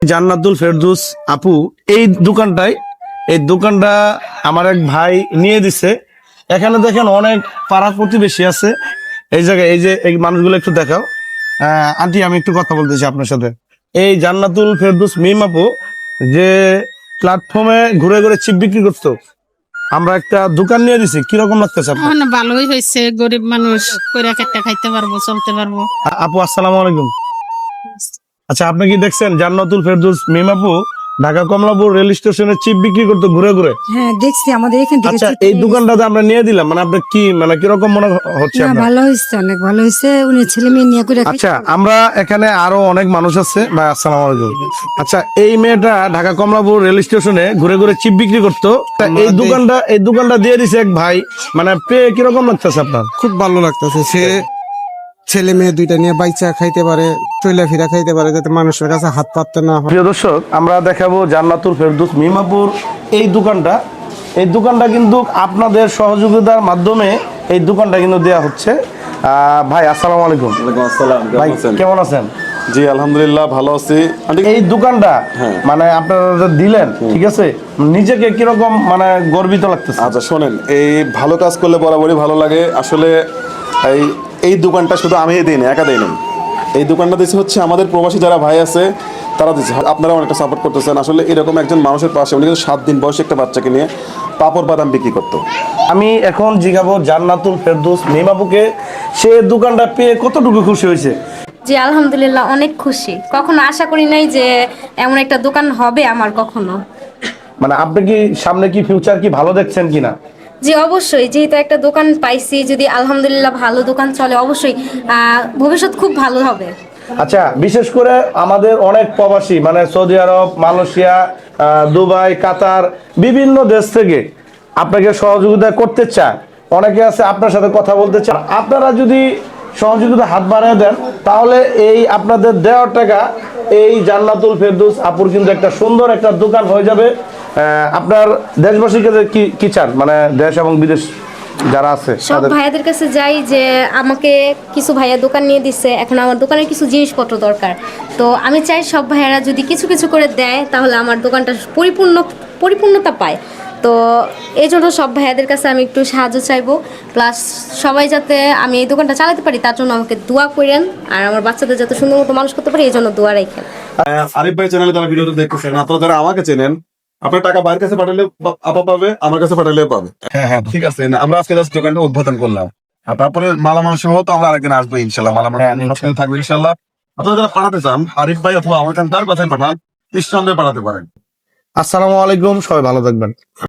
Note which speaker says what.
Speaker 1: জান্নাতুল ফেরদৌস আপু এই দোকানটা আমার এক ভাই নিয়ে দিছে। এখানে দেখেন অনেক পাড়া প্রতিবেশী আছে। এই জায়গায় এই যে এই মানুষগুলো একটু দেখাও। আন্টি, আমি একটু কথা বলতেছি আপনার সাথে। এই জান্নাতুল ফেরদৌস মিম আপু যে প্ল্যাটফর্মে ঘুরে ঘুরে চিপ বিক্রি করতো, আমরা একটা দোকান নিয়ে দিছি, কিরকম লাগতেছে আপনার?
Speaker 2: না, ভালোই হয়েছে। গরিব মানুষ কইরা কেটে খাইতে পারবো, চলতে পারবো।
Speaker 1: আপু আসসালামু আলাইকুম। আচ্ছা, আপনি কি দেখছেন জান্নাতুল ফেরদৌস মিম আপু ঢাকা কমলাপুর রেল স্টেশনে চিপ বিক্রি করতে ঘুরে ঘুরে?
Speaker 3: হ্যাঁ, দেখছি আমাদের এখান থেকে।
Speaker 1: আচ্ছা, এই দোকানটাতে আমরা নিয়ে দিলাম, মানে আপনার কি মানে কিরকম মনে হচ্ছে
Speaker 3: না,
Speaker 1: আপনার?
Speaker 3: ভালো হয়েছে, অনেক ভালো হয়েছে। উনি ছেলে মেয়ে নিয়ে করে
Speaker 1: আচ্ছা, আমরা এখানে আরো অনেক মানুষ আছে। ভাই আসসালামু আলাইকুম। আচ্ছা, এই মেয়েটা ঢাকা কমলাপুর রেল স্টেশনে ঘুরে ঘুরে চিপ বিক্রি করতো। তা এই দোকানটা দিয়ে দিছে এক ভাই, মানে পেয়ে কিরকম লাগতেছে আপনার?
Speaker 4: খুব ভালো লাগতেছে। সে ছেলে মেয়ে দুইটা নিয়ে বাইচা খাইতে পারে, চইলা ফিরা খাইতে পারে, যাতে মানুষের কাছে হাত পাততে না হয়।
Speaker 1: প্রিয় দর্শক, আমরা দেখাবো জান্নাতুল ফেরদৌস মিমাপুর এই দোকানটা কিন্তু আপনাদের সহযোগিতার মাধ্যমে এই দোকানটা কিন্তু দেয়া হচ্ছে। ভাই আসসালামু আলাইকুম।
Speaker 5: ওয়ালাইকুম আসসালাম,
Speaker 1: ভাই
Speaker 5: কেমন আছেন?
Speaker 1: কেমন আছেন?
Speaker 5: জি আলহামদুলিল্লাহ ভালো আছি।
Speaker 1: এই দোকানটা
Speaker 5: হ্যাঁ।
Speaker 1: মানে আপনারা যে দিলেন, ঠিক আছে, নিজেকে কিরকম মানে গর্বিত লাগতেছে?
Speaker 5: আচ্ছা শোনেন, এই ভালো কাজ করলে বরাবরই ভালো লাগে। আসলে এই এই দোকানটা শুধু আমি দিই না, একা দিই না। এই দোকানটা দিচ্ছে হচ্ছে আমাদের প্রবাসী যারা ভাই আছে তারা দিচ্ছে। আপনারা অনেকটা সাপোর্ট করতেছেন। আসলে এরকম একজন মানুষের পাশে, উনি কিন্তু 7 দিন বয়সী একটা বাচ্চাকে নিয়ে পাপড় বাদাম বিক্রি করতো।
Speaker 1: আমি এখন জিজ্ঞাবো জান্নাতুল ফেরদৌস মিমাপুকে, সে দোকানটা পেয়ে কতটুকু খুশি হয়েছে?
Speaker 6: জি আলহামদুলিল্লাহ, অনেক খুশি। কখনো আশা করি নাই যে এমন একটা দোকান হবে আমার কখনো।
Speaker 1: মানে আপনি কি সামনে কি ফিউচার কি ভালো দেখছেন কিনা?
Speaker 6: জি অবশ্যই, যেহেতু একটা দোকান পাইছি, যদি আলহামদুলিল্লাহ ভালো দোকান চলে, অবশ্যই ভবিষ্যৎ খুব ভালো হবে।
Speaker 1: আচ্ছা, বিশেষ করে আমাদের অনেক প্রবাসী মানে Saudi Arab, Malaysia, Dubai, Qatar, বিভিন্ন দেশ থেকে আপনাকে সহযোগিতা করতে চায়। অনেকে আছে আপনার সাথে কথা বলতে চান। আপনারা যদি সহযোগিতা হাত বাড়িয়ে দেন, তাহলে এই আপনাদের দেওয়ার টাকা এই জান্নাতুল ফেরদৌস আপুর কিন্তু একটা সুন্দর একটা দোকান হয়ে যাবে। আপনার দেশবাসীকে কি চান, মানে দেশ এবং বিদেশ যারা আছে
Speaker 6: সব
Speaker 1: তাদের?
Speaker 6: ভাইয়াদের কাছে যাই যে আমাকে কিছু ভাইয়া দোকান নিয়ে দিচ্ছে, এখন আমার দোকানের কিছু জিনিসপত্র দরকার। তো আমি চাই সব ভাইয়ারা যদি কিছু কিছু করে দেয়, তাহলে আমার দোকানটা পরিপূর্ণতা পায়। তো এই জন্য সব ভাইয়াদের কাছে আমি একটু সাহায্য চাইবো। প্লাস সবাই যাতে আমি এই দোকানটা চালাতে পারি, তার জন্য আমাকে দোয়া করেন। আর আমার বাচ্চাদের যাতে সুন্দর মতো মানুষ করতে পারি, এই জন্য দোয়া রাখেন।
Speaker 5: আরিফ ভাই চ্যানেলে তারা ভিডিওটা দেখতেছেন, আপনারা যারা আমাকে চেনেন, আপনার টাকা বাইরের কাছে পাঠালে আপা পাবে, আমার কাছে পাঠালেও পাবে। হ্যাঁ হ্যাঁ ঠিক আছে। আমরা আজকে জাস্ট দোকানটা উদ্বোধন করলাম, আর তারপরে মালামাল সহ তো আমরা আরেকদিন আসবো ইনশাল্লাহ। মালামাল সবসময় থাকবে ইনশাল্লাহ। আপনারা যারা পাঠাতে চান, আরিফ ভাই অথবা আমার কাছে তার কথাই পাঠান, নিঃসন্দেহে পাঠাতে পারেন।
Speaker 1: আসসালামু আলাইকুম, সবাই ভালো থাকবেন।